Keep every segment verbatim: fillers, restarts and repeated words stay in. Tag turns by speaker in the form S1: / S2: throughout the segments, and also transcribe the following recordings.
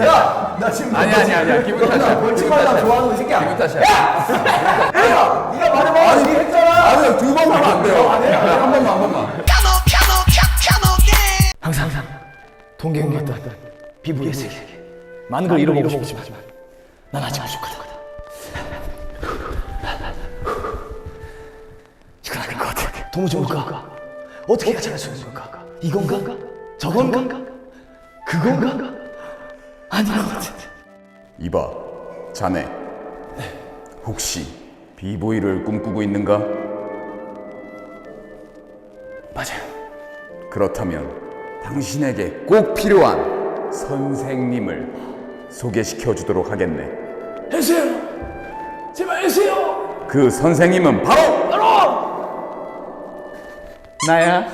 S1: 탓이야. 나 지금
S2: 아니 아니 아니야. 기분 탓이야.
S1: 벌칙하려고 좋아하는 이 새끼야.
S2: 기분 탓이야.
S1: 야! 네가 말해봐. 아니 했잖아.
S2: 아니 두 번 하면 안 돼요. 한 번만 한 번만.
S1: 항상 항상 동경했던 비브이의 세계. 많은 걸 잃어보고 싶지만 난 아직 부족하다. 이건 아닌 것 같아. 도무지 뭘까? 어떻게 해야 잘할 수 있는 걸까? 이건가? 저건가? 그건가? 아닌 것 같아.
S2: 이봐, 자네. 혹시 비보이를 꿈꾸고 있는가?
S1: 맞아요.
S2: 그렇다면 당신에게 꼭 필요한 선생님을 소개시켜 주도록 하겠네.
S1: 해주세요. 제발 해주세요.
S2: 그 선생님은 바로
S1: 바로
S2: 나야.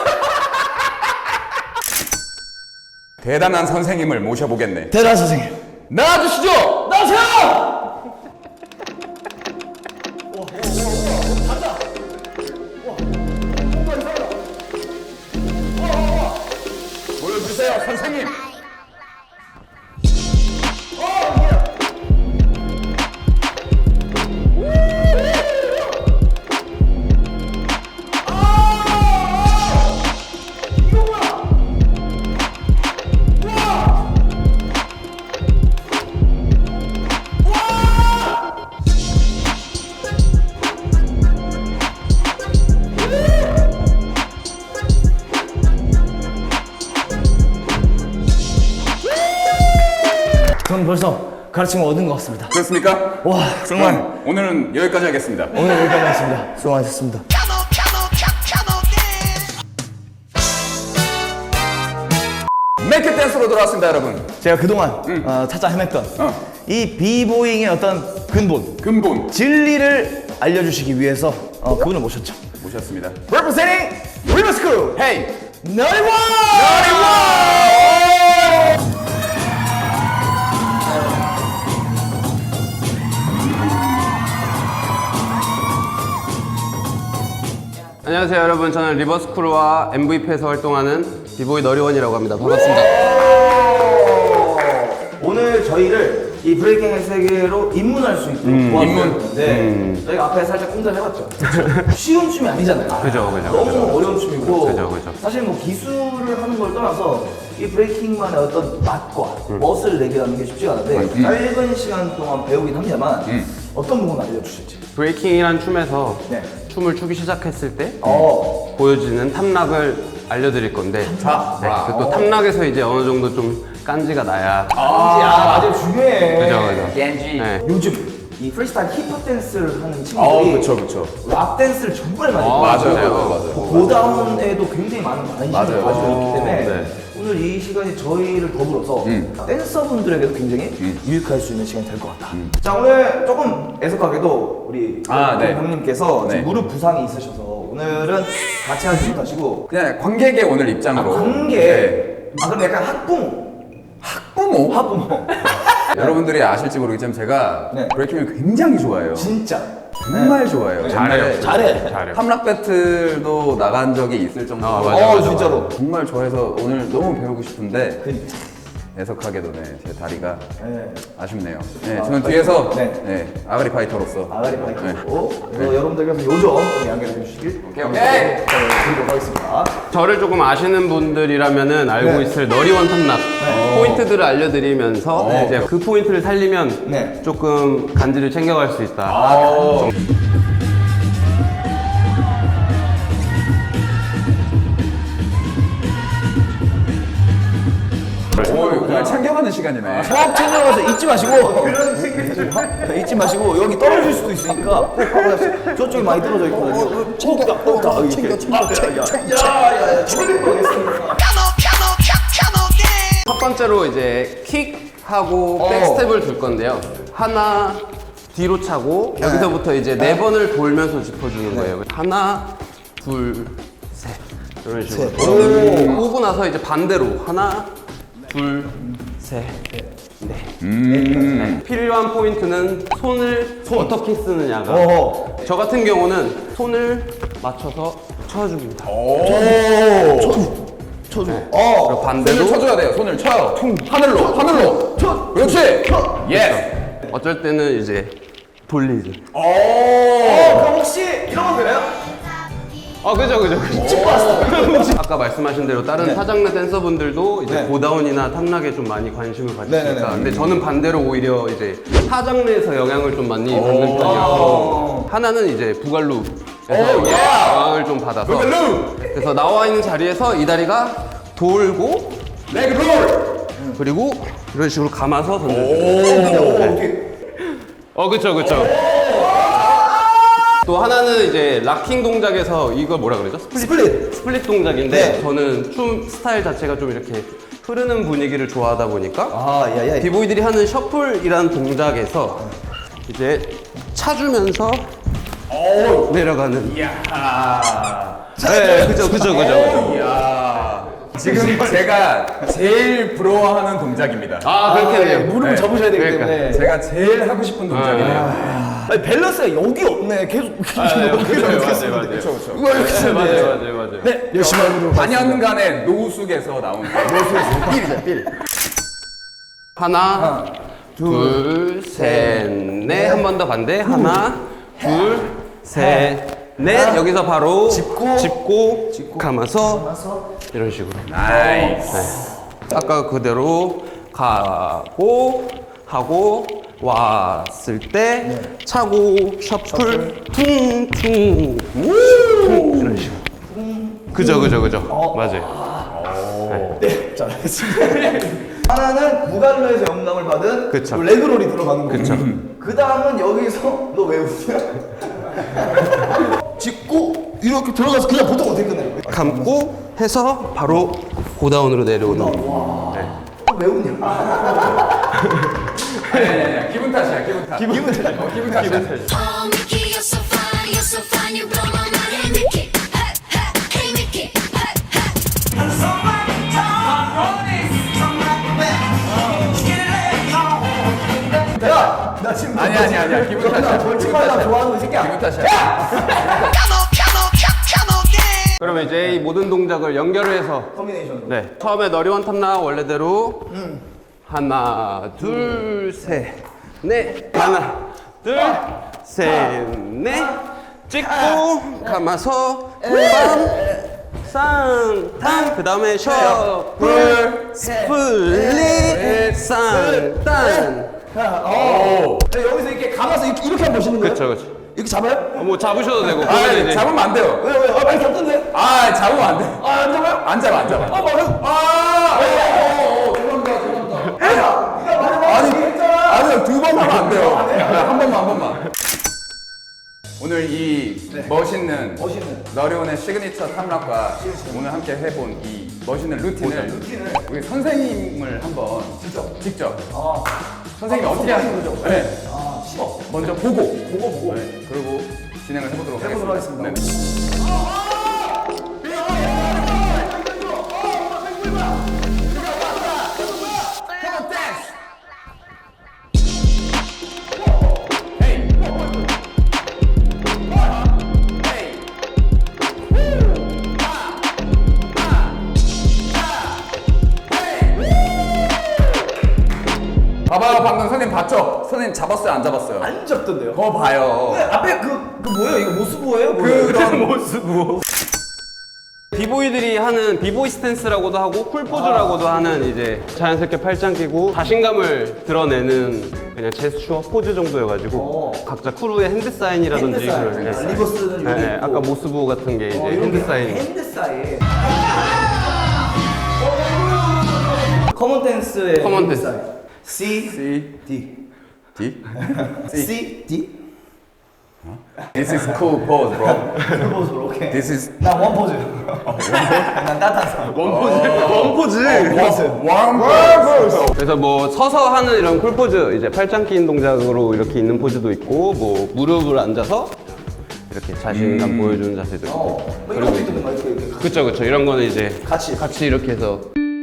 S2: 대단한 선생님을 모셔보겠네.
S1: 대단 선생님.
S2: 나와주시죠.
S1: 나오세요.
S2: 보여주세요, 선생님.
S1: 전 벌써 가르침을 얻은 것 같습니다.
S2: 그렇습니까?
S1: 와 정말
S2: 그럼 오늘은 여기까지 하겠습니다.
S1: 오늘 여기까지 하겠습니다. 수고하셨습니다.
S2: 맥켓 댄스로 돌아왔습니다, 여러분.
S1: 제가 그동안 어, 찾아 헤맸던
S2: 어.
S1: 이 비보잉의 어떤 근본,
S2: 근본
S1: 진리를 알려주시기 위해서 어, 그분을 모셨죠.
S2: 모셨습니다.
S1: Representing 리버스쿨
S2: 헤이!
S1: 너리원!
S3: 안녕하세요 여러분, 저는 리버스쿨과 엠브이피에서 활동하는 비보이 너리원이라고 합니다. 반갑습니다.
S1: 오늘 저희를 이 브레이킹의 세계로 입문할 수 있도록
S3: 음,
S1: 도와주셨는데 저희가 앞에 살짝 꿈틀해봤죠. 쉬운 춤이 아니잖아요.
S3: 그죠, 그죠,
S1: 너무
S3: 그죠.
S1: 어려운 춤이고
S3: 그죠, 그죠.
S1: 사실 뭐 기술을 하는 걸 떠나서 이 브레이킹만의 어떤 맛과 멋을 내기라는 게 쉽지가 않은데 짧은 시간 동안 배우긴 합니다만 어떤 부분 알려주실지.
S3: 브레이킹이란 춤에서
S1: 네.
S3: 춤을 추기 시작했을 때
S1: 어.
S3: 보여지는 탑락을 알려드릴 건데
S2: 탑락.
S3: 네, 그또 탑락에서 이제 어느 정도 좀 깐지가 나야.
S1: 아, 맞아요. 중요해.
S3: 그죠, 그죠.
S2: 겐지.
S3: 네.
S1: 요즘 이 프리스타일 힙합 댄스를 하는
S2: 어,
S1: 친구들이
S2: 그쵸, 그쵸.
S1: 락 댄스를 정말 많이
S3: 어,
S1: 배워요.
S2: 맞아요, 맞아요, 맞아요.
S1: 고다운에도 굉장히 많은 관심을
S2: 맞아요.
S1: 가지고 있기 때문에
S3: 네.
S1: 오늘 이 시간이 저희를 더불어서
S2: 음.
S1: 댄서분들에게도 굉장히 유익할 수 있는 시간이 될 것 같다. 자, 오늘 조금 애석하게도 우리
S2: 아, 네.
S1: 형님께서
S2: 네.
S1: 지금 무릎 부상이 있으셔서 오늘은 같이 하지 못하시고
S2: 그냥 관객의 오늘 입장으로.
S1: 관계
S2: 네.
S1: 아 그럼 약간 학부모
S2: 학부모?
S1: 학부모
S2: 여러분들이 아실지 모르겠지만 제가
S1: 네.
S2: 브레이킹을 굉장히 좋아해요.
S1: 진짜
S2: 정말 좋아해요.
S3: 잘해요.
S2: 옛날에
S1: 잘해.
S3: 잘해요.
S2: 탐락 배틀도 나간 적이 있을 정도로
S3: 아, 맞아,
S1: 어
S3: 맞아,
S1: 진짜로
S2: 정말 좋아해서 오늘 너무 배우고 싶은데
S1: 그러니까.
S2: 애석하게도 네, 제 다리가
S1: 네.
S2: 아쉽네요. 네,
S1: 아,
S2: 저는 뒤에서
S1: 네.
S2: 네, 아가리 파이터로서
S1: 아가리 파이터고 그래서 여러분들께서 요점 좀 양해를 해주시길
S2: 오케이, 오케이.
S1: 네, 드리도록 하겠습니다.
S3: 저를 조금 아시는 분들이라면은 알고
S1: 네.
S3: 있을 너리원 탑락 포인트들을 알려드리면서
S1: 네.
S3: 이제 그 포인트를 살리면
S1: 네.
S3: 조금 간지를 챙겨갈 수 있다.
S2: 어, 오, 오늘 챙겨가는 시간이네.
S1: 수업 챙겨가서 잊지 마시고 네, 잊지 마시고 여기 떨어질 수도 있으니까 꼭 확인하세요. 저쪽에 많이 떨어져 있거든요. 챙겨, 챙겨, 챙겨, 챙겨, 챙겨. 야야야, 챙겨가겠습니다.
S3: 첫 번째로 이제 킥하고
S1: 어.
S3: 백스텝을 둘 건데요. 하나 뒤로 차고 여기서부터 이제 네 번을 돌면서 짚어주는 거예요. 하나, 둘, 셋 이런 식으로.
S1: 셋.
S3: 오고 나서 이제 반대로 하나, 둘, 셋, 넷.
S2: 음.
S3: 네. 필요한 포인트는 손을 어떻게 쓰느냐가.
S1: 어허.
S3: 저 같은 경우는 손을 맞춰서 쳐줍니다.
S2: 오.
S1: 쳐주, 쳐줘.
S3: 네.
S1: 어.
S3: 그리고 반대로
S2: 손을 쳐줘야 돼요. 손을 쳐요. 하늘로, 하늘로. 그렇지. 예스.
S3: 어쩔 때는 이제 돌리죠.
S1: 어, 그럼 혹시 이런 거 되나요?
S3: 아 그죠 그죠.
S1: 집 봤어.
S3: 아까 말씀하신 대로 다른 타장르 댄서분들도 이제
S1: 네.
S3: 고다운이나 탑락에 좀 많이 관심을 가지니까.
S1: 네네네.
S3: 근데 저는 반대로 오히려 이제 타장르에서 영향을 좀 많이 받는 편이어서 하나는 이제 부갈루에서 영향을 좀 받아서.
S2: 부갈루.
S3: 그래서 나와 있는 자리에서 이 다리가 돌고
S2: 레그 롤.
S3: 그리고 이런 식으로 감아서 던져줘요. 어 그쵸 그쵸. 또 하나는 이제 락킹 동작에서 이걸 뭐라 그러죠? 스플릿
S1: 스플릿.
S3: 스플릿 동작인데
S1: 네.
S3: 저는 춤 스타일 자체가 좀 이렇게 흐르는 분위기를 좋아하다 보니까
S1: 아, 야, 야.
S3: 비보이들이 하는 셔플이라는 동작에서 이제 차주면서 내려가는.
S2: 이야.
S3: 네, 그죠 그죠 그죠.
S2: 이야. 지금 제가 제일 부러워하는 동작입니다.
S3: 아 그렇게 돼요.
S1: 무릎을
S2: 네.
S1: 접으셔야 되기
S3: 그러니까.
S1: 때문에.
S2: 제가 제일 하고 싶은 동작이네요.
S1: 아니, 밸런스가 여기 없네. 계속.
S3: 맞아요 맞아요
S2: 그렇죠, 그렇죠.
S1: 이거 이렇게 쓰는데.
S3: 맞아요 맞아요 맞아요.
S1: 네, 열심히 해보도록
S2: 사 년간의 노숙에서 나온
S1: 필이죠, 필.
S3: 하나, 둘, 셋, 넷. 한 번 더 반대. 하나, 둘, 셋, 넷. 여기서 바로
S1: 짚고,
S3: 짚고,
S1: 짚고,
S3: 감아서
S1: 가서.
S3: 이런 식으로.
S2: 나이스.
S3: 아까 그대로 가고 하고 왔을 때 차고 셔플 퉁퉁 퉁 이런 식으로. 그죠 그죠 그죠. 맞아요.
S1: 네, 잘 알겠습니다. 하나는 무갈로에서 영감을 받은
S3: 그쵸.
S1: 요 레그롤이 들어가는 거고.
S3: 그쵸.
S1: 그 다음은 여기서 너 왜 웃냐? 짚고 이렇게 들어가서 그냥 보통 어떻게 끝나요?
S3: 감고 해서 바로 고다운으로 내려오는. 네.
S1: 왜 웃냐?
S2: 아니, 아니, 아니. 기분 탓이야, 기분 탓. 기분 탓. 어, 기분 탓이야.
S4: Oh, Mickey, you're so fine, you're so fine, you blow my mind. Hey, Mickey, hey, hey, hey, Mickey, hey, hey.
S1: 야, 나 지금
S2: 아니, 아니, 아니야. 기분 탓이야.
S1: 벌칙 하려고 좋아하는 거 이 새끼야.
S2: 기분 탓이야.
S4: Come on, come on, come, come on, dance.
S3: 그러면 이제 이 모든 동작을 연결을 해서
S1: 커뮤니케이션.
S3: 네. 처음에 너리원 탑나 원래대로 하나, 둘, 셋, 넷. 하나, 둘, 셋, 넷. 찍고 감아서 빰, 쌍탕. 그 다음에 셔플, 스플릿, 쌍탕.
S1: 어. 여기서 이렇게 감아서 이렇게, 이렇게 한번 보시는 거예요?
S3: 그쵸, 그쵸.
S1: 이렇게 잡아요?
S3: 어, 뭐 잡으셔도 되고.
S2: 아,
S3: 그거는 이제
S2: 잡으면 안 돼요.
S1: 왜, 왜? 아, 많이 잡던데?
S2: 아, 잡으면 안 돼.
S1: 아, 안 잡아요?
S2: 안 잡아, 안 잡아.
S1: 아, 말해.
S2: 아! 어, 어, 어, 죄송합니다, 죄송합니다. 아니, 아니, 두 번 하면 안 돼요. 한 번만, 한 번만. 오늘 이 멋있는,
S1: 멋있는.
S2: 너리온의 시그니처 탐락과 오늘 함께 해본 이 멋있는 루틴을, 우리 선생님을 한번 직접, 직접.
S1: 아,
S2: 선생님이
S1: 아,
S2: 어떻게 하는
S1: 선생님
S2: 거죠?
S1: 거죠?
S2: 네.
S1: 아, 싫어.
S2: 먼저 보고,
S1: 보고, 보고.
S2: 네. 그리고 진행을 해보도록
S1: 해보도록
S2: 하겠습니다.
S1: 하겠습니다.
S2: 네. 봐봐요, 방금 선생님 봤죠? 선생님 잡았어요, 안 잡았어요?
S1: 안 잡던데요?
S2: 그거 봐요.
S1: 네, 앞에 그, 그 뭐예요? 이거 모스보예요?
S2: 그런
S3: 모습. 비보이들이 하는 비보이 스탠스라고도 하고 쿨포즈라고도 하는 이제 자연스럽게 팔짱 끼고 자신감을 드러내는 그냥 제스처 포즈 정도여가지고
S1: 어.
S3: 각자 크루의 핸드 사인이라든지
S1: 핸드 사인.
S3: 그런,
S1: 아,
S3: 네.
S1: 리버스는
S3: 네,
S1: 여기
S3: 네.
S1: 있고.
S3: 아까 모스부 같은 게 이제
S1: 어, 이런
S3: 핸드
S1: 게
S3: 사인.
S1: 핸드 사인. 커먼 댄스의
S3: 커먼
S1: 핸드
S3: 댄스.
S1: 사인. C,
S2: C,
S1: D.
S2: D.
S1: C, D.
S2: This is cool pose, bro.
S1: 그 모습으로, 오케이.
S2: This is
S1: 난 원포즈. 난 따뜻한 사람.
S3: 원포즈.
S2: warm pose.
S3: 그래서 뭐 서서 하는 이런 쿨포즈 이제 팔짱 끼는 동작으로 이렇게 있는 포즈도 있고 뭐 무릎을 앉아서 이렇게 자신감 보여주는 자세도 있고.
S1: 어, 뭐 이런 거 있던데, 막 이렇게. 이렇게.
S3: 그쵸 그쵸 이런 거는 이제
S1: 같이.
S3: 같이 이렇게 해서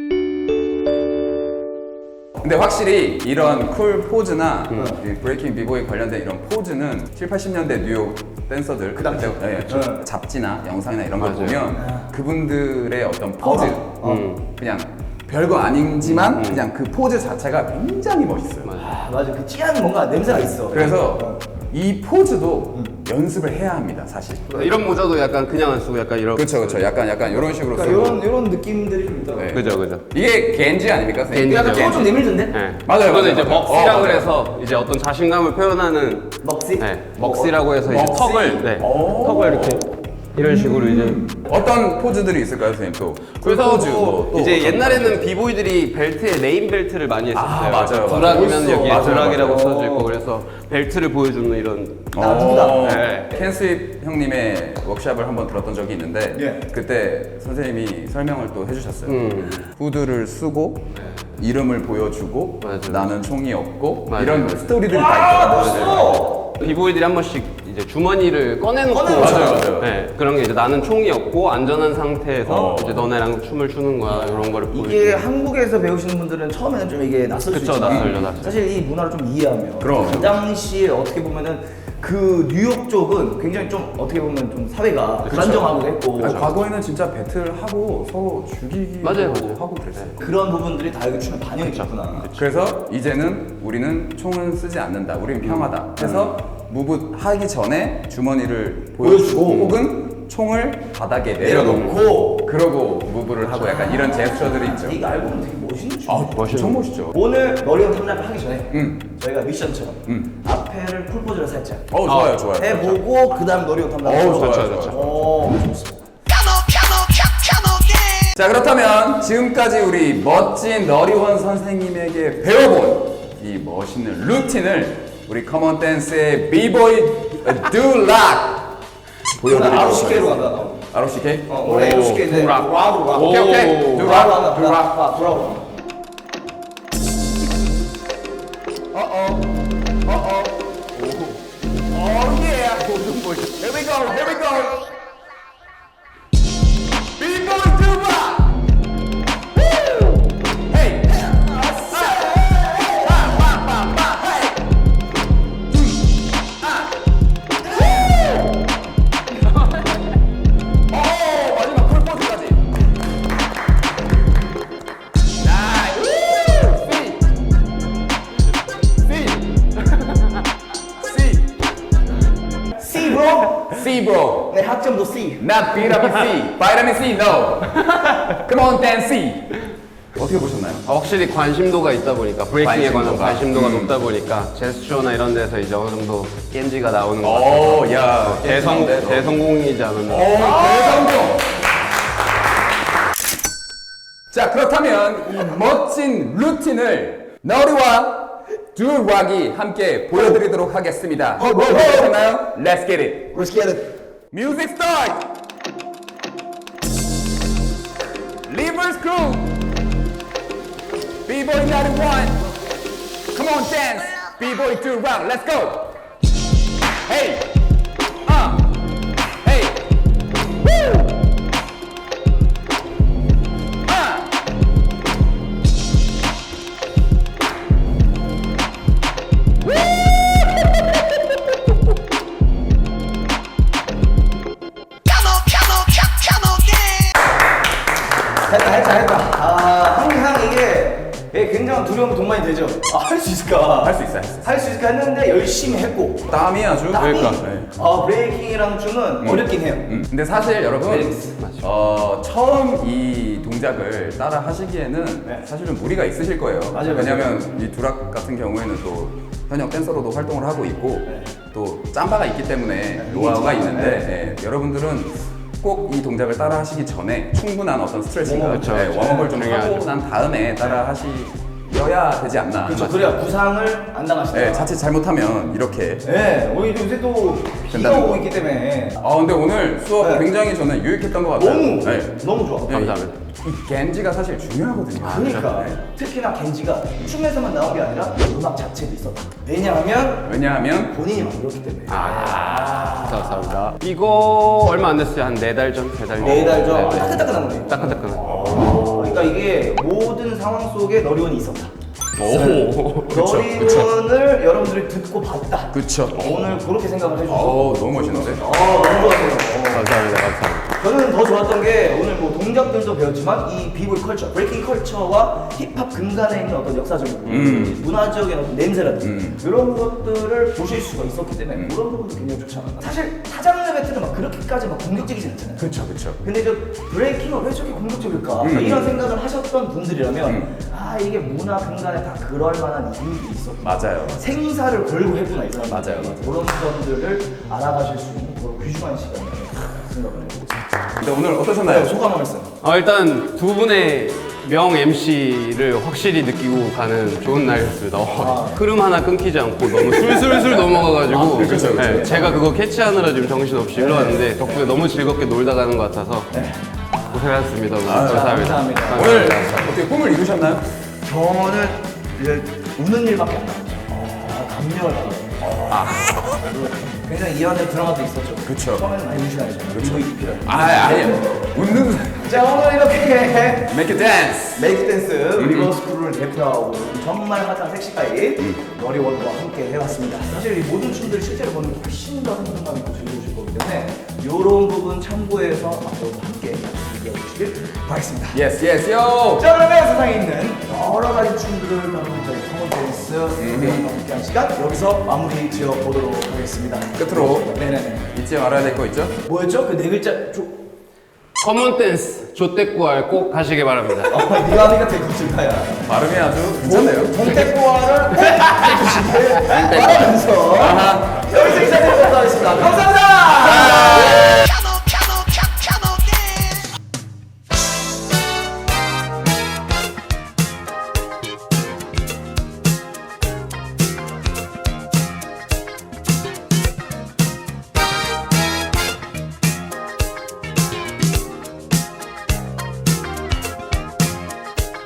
S2: 근데 확실히 이런 쿨 포즈나 이 브레이킹 비보이 관련된 이런 포즈는 칠, 팔십 년대 뉴욕 댄서들 그
S1: 당시.
S2: 네,
S1: 네.
S2: 잡지나 영상이나 이런 걸
S3: 맞아요.
S2: 보면 그분들의 어떤 포즈
S3: 음.
S2: 그냥 별거 아니지만 그냥 그 포즈 자체가 굉장히 멋있어요.
S1: 아, 맞아. 그 찌한 뭔가 냄새가 있어.
S2: 그래서
S1: 어.
S2: 이 포즈도 연습을 해야 합니다, 사실.
S3: 이런 모자도 약간 그냥 안 쓰고 약간 이런.
S2: 그렇죠, 그렇죠. 약간 약간 이런 식으로
S1: 그러니까
S2: 쓰고.
S1: 이런 이런 느낌들이 좀 있더라고.
S2: 네.
S3: 그죠, 그죠.
S2: 이게 겐지 아닙니까, 선생님?
S3: 겐지죠.
S1: 약간
S3: 겐지.
S1: 좀 내밀던데?
S3: 네.
S2: 맞아요,
S3: 그거는
S2: 맞아요,
S3: 이제
S2: 맞아요.
S3: 먹시라고
S2: 어, 맞아요.
S3: 해서 이제 어떤 자신감을 표현하는
S1: 먹시?
S3: 네, 먹시라고 해서 이제
S2: 먹시?
S3: 턱을 네,
S2: 오.
S3: 턱을 이렇게 이런 식으로 이제
S2: 어떤 포즈들이 있을까요, 선생님? 또
S3: 그래서
S2: 포즈,
S3: 뭐
S2: 뭐, 또
S3: 이제
S2: 어떤
S3: 옛날에는 비보이들이 벨트에 네임 벨트를 많이 했었어요.
S2: 아, 맞아요, 맞아요.
S3: 드락이면
S2: 멋있어.
S3: 여기에
S2: 맞아요,
S3: 드락이라고
S2: 맞아요.
S3: 써져 있고 그래서 벨트를 보여주는 이런
S1: 나 누구다.
S2: 어,
S3: 네.
S2: 캔스윕 형님의 워크샵을 한번 들었던 적이 있는데
S1: 예.
S2: 그때 선생님이 설명을 또 해주셨어요.
S3: 음.
S2: 후드를 쓰고 이름을 보여주고
S3: 맞아요.
S2: 나는 총이 없고
S3: 맞아요.
S2: 이런 스토리들이
S1: 와,
S2: 다 있더라고요.
S1: 멋있어.
S3: 비보이들이 한 번씩 이제 주머니를 꺼내놓고
S1: 꺼내놓죠.
S2: 맞아요, 맞아요.
S3: 네, 그런 게 이제 나는 총이 없고 안전한 상태에서
S2: 어.
S3: 이제 너네랑 춤을 추는 거야 이런 거를
S1: 이게
S3: 보여주는.
S1: 한국에서 배우시는 분들은 처음에는 좀 이게 낯설 수
S3: 그쵸,
S1: 있지만
S3: 낯설죠, 낯설죠.
S1: 사실 이 문화를 좀 이해하면
S2: 그럼.
S1: 그 당시에 어떻게 보면은 그 뉴욕 쪽은 굉장히 좀 어떻게 보면 좀 사회가 불안정하기도 했고
S2: 아니, 과거에는 진짜 배틀하고 서로 죽이기도
S3: 맞아요, 맞아요.
S2: 하고 그랬어요.
S1: 그런 부분들이 다 여기 춤에 반영이 됐구나.
S2: 그래서 이제는 우리는 총은 쓰지 않는다. 우리는 평하다. 해서 무브 하기 전에 주머니를 보여주고 혹은 총을 바닥에 내려놓고
S1: 내려놓고
S2: 그러고 무브를 하고 약간 이런 제스처들이 있죠.
S1: 이거 알고 보면 되게 멋있는 춤.
S2: 아, 엄청 멋있죠.
S1: 오늘 머리형 탐락을 하기 전에
S2: 음.
S1: 저희가 미션처럼
S2: 음.
S1: 앞에를 쿨포즈를 살짝
S2: 어, 좋아요, 좋아요.
S1: 해보고 그 다음 머리형 탐락을
S2: 어우,
S1: 하고
S2: 좋죠, 좋죠.
S1: 어, 좋습니다.
S2: 자, 그렇다면 지금까지 우리 멋진 너리원 선생님에게 배워본 이 멋있는 루틴을 우리 커먼 댄스의 비보이 듀락 보여드리도록
S1: 아로시케로
S2: 하겠습니다.
S1: 간다.
S2: 아로시케?
S1: 어, 원래 아로시케 이제
S3: 듀락.
S1: 락으로 락.
S2: 오케이, 오케이. 듀락,
S1: 듀락,
S2: 듀락.
S1: 아, 듀락.
S2: 어어 어어 오 yeah here we go here we go B-boy 듀락 Hey 오 마지막 콜포즈까지
S1: C bro.
S2: C bro
S1: 네 학점도 C.
S2: not 비타민 C 비타민 C no come on dance C 어떻게 보셨나요?
S3: 아, 확실히 관심도가 있다 보니까 브레이킹에 관한
S2: 관심도가.
S3: 관심도가
S2: 음.
S3: 높다 보니까 제스처나 이런 데서 이제 어느 정도 겐지가 나오는 것 같아요.
S2: 오, 야,
S3: 대성 대성공이지 않았나.
S2: 오, 대성공. 자, 그렇다면 이 멋진 루틴을 너리와 듀락이 함께 보여드리도록 하겠습니다.
S1: 어, 뭐, 뭐.
S2: 준비되셨나요? Let's get it.
S1: Let's get it.
S2: Music start. Livers Crew. B-boy ninety-one. Come on, dance. B-boy 듀락. Let's go. Hey. Uh. Hey. Woo. Uh.
S1: 했다 했다 했다. 아 항상 이게 이게 굉장한 두려움이 동반이 되죠. 아, 할 수 있을까?
S2: 할 수 있어, 할 수 있어.
S1: 할 수 있을까 했는데 열심히 했고.
S2: 땀이 아주.
S1: 땀이
S2: 그러니까. 네.
S1: 아 브레이킹이라는 춤은 어렵긴 해요.
S2: 음, 근데 사실 여러분 어, 처음 이 동작을 따라 하시기에는
S1: 네.
S2: 사실은 무리가 있으실 거예요.
S1: 맞아요,
S2: 왜냐하면 이 두락 같은 경우에는 또 현역 댄서로도 활동을 하고 있고
S1: 네.
S2: 또 짬바가 있기 때문에 노하우가
S1: 있지만,
S2: 있는데 예, 여러분들은 꼭 이 동작을 따라 하시기 전에 충분한 어떤 스트레칭과
S3: 그렇죠,
S2: 예,
S3: 그렇죠.
S2: 웜업을 좀
S3: 중요하죠.
S2: 하고 난 다음에 따라 하시어야 되지 않나.
S1: 그렇죠. 그래야 부상을 안 당하시다.
S2: 예, 자칫 잘못하면 이렇게.
S1: 네, 오히려 요새 또 비가
S2: 된다는
S1: 오고
S2: 거.
S1: 있기 때문에
S2: 아 근데 오늘 수업
S1: 네.
S2: 굉장히 저는 유익했던 것 같아요.
S1: 너무
S2: 네.
S1: 너무 좋아.
S3: 감사합니다.
S2: 이 겐지가 사실 중요하거든요.
S1: 그러니까
S2: 네.
S1: 특히나 겐지가 춤에서만 나온 게 아니라 음악 자체도 있었다. 왜냐하면
S2: 왜냐하면
S1: 본인이 만들었기 때문에.
S3: 아, 감사합니다. 이거 얼마 안 됐어요. 한 네 달 전, 세 달 전.
S1: 네 달 전.
S3: 네, 네.
S1: 따끈따끈한 거네.
S3: 따끈따끈한.
S1: 어, 그러니까 이게 모든 상황 속에 너리원이 있었다.
S3: 오.
S1: 너리문을 여러분들이 듣고 봤다.
S2: 그쵸.
S1: 오늘 그렇게 생각을 해주셔서
S2: 어 너무 멋있는데?
S1: 어, 너무 좋았어요. 어.
S3: 감사합니다. 감사합니다.
S1: 저는 더 좋았던 게 오늘 뭐 동작들도 배웠지만 이 비보이 컬처, 브레이킹 컬처와 힙합 근간에 있는 어떤 역사적인 부분, 문화적인 어떤 냄새라든지 이런 것들을 보실 수가 있었기 때문에 그런 부분도 굉장히 좋지 않았나. 사실 타장르 배틀은 막 그렇게까지 막 공격적이진 않잖아요.
S2: 그쵸 그쵸.
S1: 근데 저 브레이킹은 왜 저렇게 공격적일까? 이런 생각을 하셨던 분들이라면 아 이게 문화 근간에 다 그럴 만한 이유가 있었구나.
S2: 맞아요.
S1: 생사를 걸고 했구나 이 사람.
S2: 맞아요, 맞아요.
S1: 그런 점들을 알아가실 수 있는 그런 귀중한 시간이라고 생각을 해요.
S2: 근데 오늘 어떠셨나요?
S1: 소감 한 말씀.
S3: 어, 일단 두 분의 명 엠시를 확실히 느끼고 가는 좋은 날이었습니다. 어, 흐름 하나 끊기지 않고 너무 술술술 넘어가가지고
S2: 그쵸, 그쵸.
S3: 네, 제가 그거 캐치하느라 지금 정신없이 흘러왔는데 덕분에 너무 즐겁게 놀다 가는 것 같아서 고생하셨습니다. 오늘. 감사합니다.
S1: 감사합니다.
S2: 오늘 어떻게 꿈을 이루셨나요?
S1: 저는 이제 우는 일밖에 안 나왔죠. 어, 감명을 받아요. 아. 굉장히 이 안에 드라마도 있었죠.
S2: 그쵸.
S1: 처음에는 많이 무시하죠. 그렇죠.
S2: 아 아니에요. 웃는
S1: 자 오늘 이렇게
S2: Make it dance.
S1: 메이크 댄스 리버스 크루를 대표하고 정말 핫한 섹시가이 너리원과 함께 해봤습니다. 사실 이 모든 춤들을 실제로 보는 게 훨씬 더 행복감 있고 즐거우실 거기 때문에 이런 부분 참고해서 앞으로도 함께 즐겨주시길 바라겠습니다.
S2: Yes yes yo.
S1: 자 그러면 세상에 있는 여러 가지 춤들을 다루는 저희 커먼 댄스 무대와 함께한 시간 여기서 마무리 지어 보도록 하겠습니다.
S2: 끝으로
S1: 네네네.
S2: 잊지 말아야 될 거 있죠?
S1: 뭐였죠? 그 네 글자 조...
S3: 커먼 댄스 조떼꾸알 꼭 가시기 바랍니다.
S1: 어, 네가 하니까 되게 거칠다야.
S2: 발음이 아주 괜찮네요.
S1: 동태꾸화를 꼭 해주시길 바라면서 여기서 인사드리도록 하겠습니다. 감사합니다.